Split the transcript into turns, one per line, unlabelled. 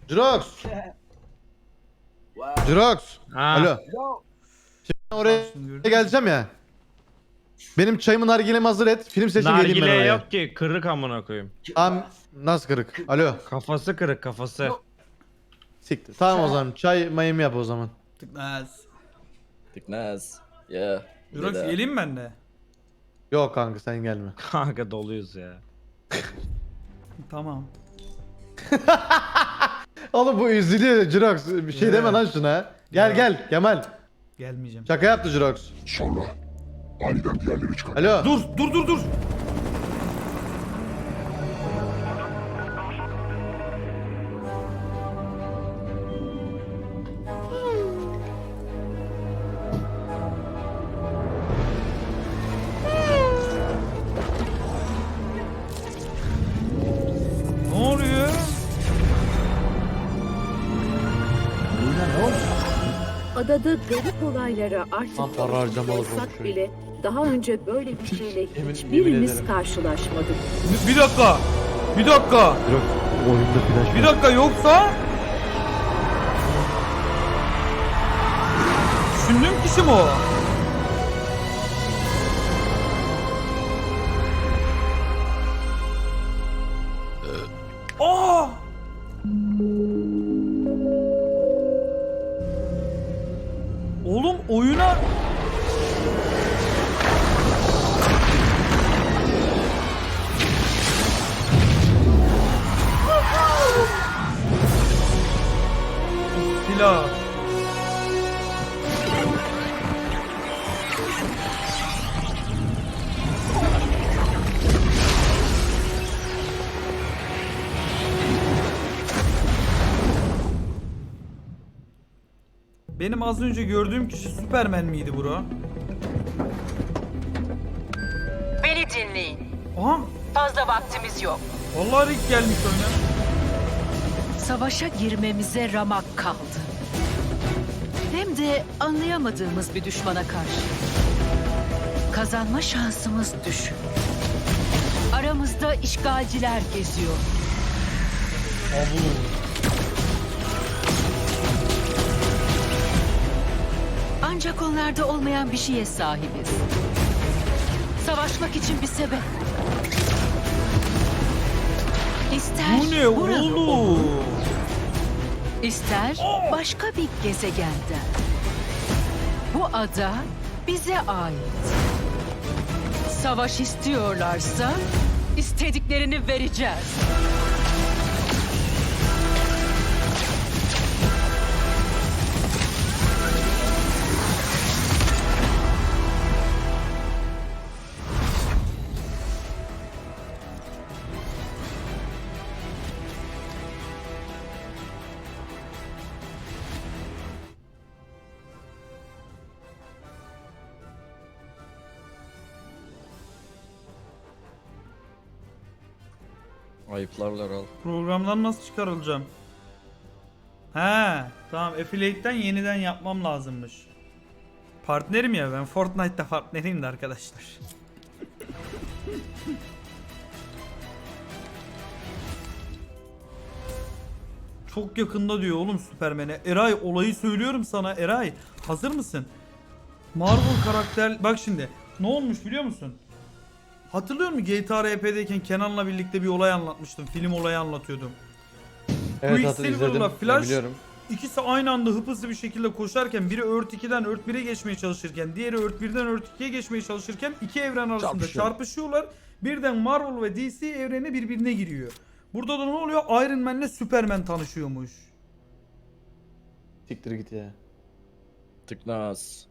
Jirox. Jirox.
Ha.
Alo. Şimdi ben oraya geleceğim ya. Benim çayımı nargilemi hazır et. Film seçim geleyim ben
Nargile
oraya.
yok ki, kırık amına koyayım.
Tamam. Nasıl kırık? Alo.
Kafası kırık, kafası.
Siktir. Tamam o zaman. Çay mayımı yap o zaman.
Tıknaz.
Tıknaz. Ya.
Jurox geleyim ben de.
Yok kanka sen gelme.
Kanka doluyuz ya.
Tamam.
Oğlum bu üzülüyor Jirox. Bir şey deme lan şuna. Gel gel Kemal.
Gelmeyeceğim.
Şaka yaptı Jirox.
Sonra aniden diğerleri çıkar.
Alo.
Dur. Ne oluyor?
Adada garip olaylara artık
Tam para harcamalı
olsak
konuşuyor.
bile daha önce böyle bir şeyle
Yemin
hiçbirimiz
ederim.
karşılaşmadık.
Bir dakika.
Jirox oyunda flash.
Bir dakika yoksa... Düşündüğüm kişi mi o? Aa! Oğlum oyuna... Silah. Benim az önce gördüğüm kişi Superman miydi bro?
Beni dinleyin.
Aha!
Fazla vaktimiz yok.
Vallahi Rick gelmiş oyuna.
Savaşa girmemize ramak kaldı. Hem de anlayamadığımız bir düşmana karşı. Kazanma şansımız düşük. Aramızda işgalciler geziyor. Ancak onlarda olmayan bir şeye sahibiz. Savaşmak için bir sebep. İster
Bu ne
burada
oğlum?
olun, İster başka bir gezegenden. Bu ada bize ait. Savaş istiyorlarsa istediklerini vereceğiz.
Ayıplarlar al.
Programdan nasıl çıkarılacağım? He, tamam. Affiliate'den yeniden yapmam lazımmış. Partnerim ya, ben Fortnite'da partneriyim de arkadaşlar. Çok yakında diyor oğlum Superman'e. Eray olayı söylüyorum sana Eray. Hazır mısın? Marvel karakter... Bak şimdi. Ne olmuş biliyor musun? Hatırlıyor musun GTA RP'deyken Kenan'la birlikte bir olay anlatmıştım. Film olayı anlatıyordum.
Evet
Quicksilver'la
izledim.
Flash
Biliyorum.
ikisi aynı anda hızlı bir şekilde koşarken biri Earth 2'den Earth 1'e geçmeye çalışırken diğeri Earth 1'den Earth 2'ye geçmeye çalışırken iki evren arasında çarpışıyorlar. Birden Marvel ve DC evreni birbirine giriyor. Burada da ne oluyor? Iron Man'le Superman tanışıyormuş.
Siktir git ya.
Tıknaz.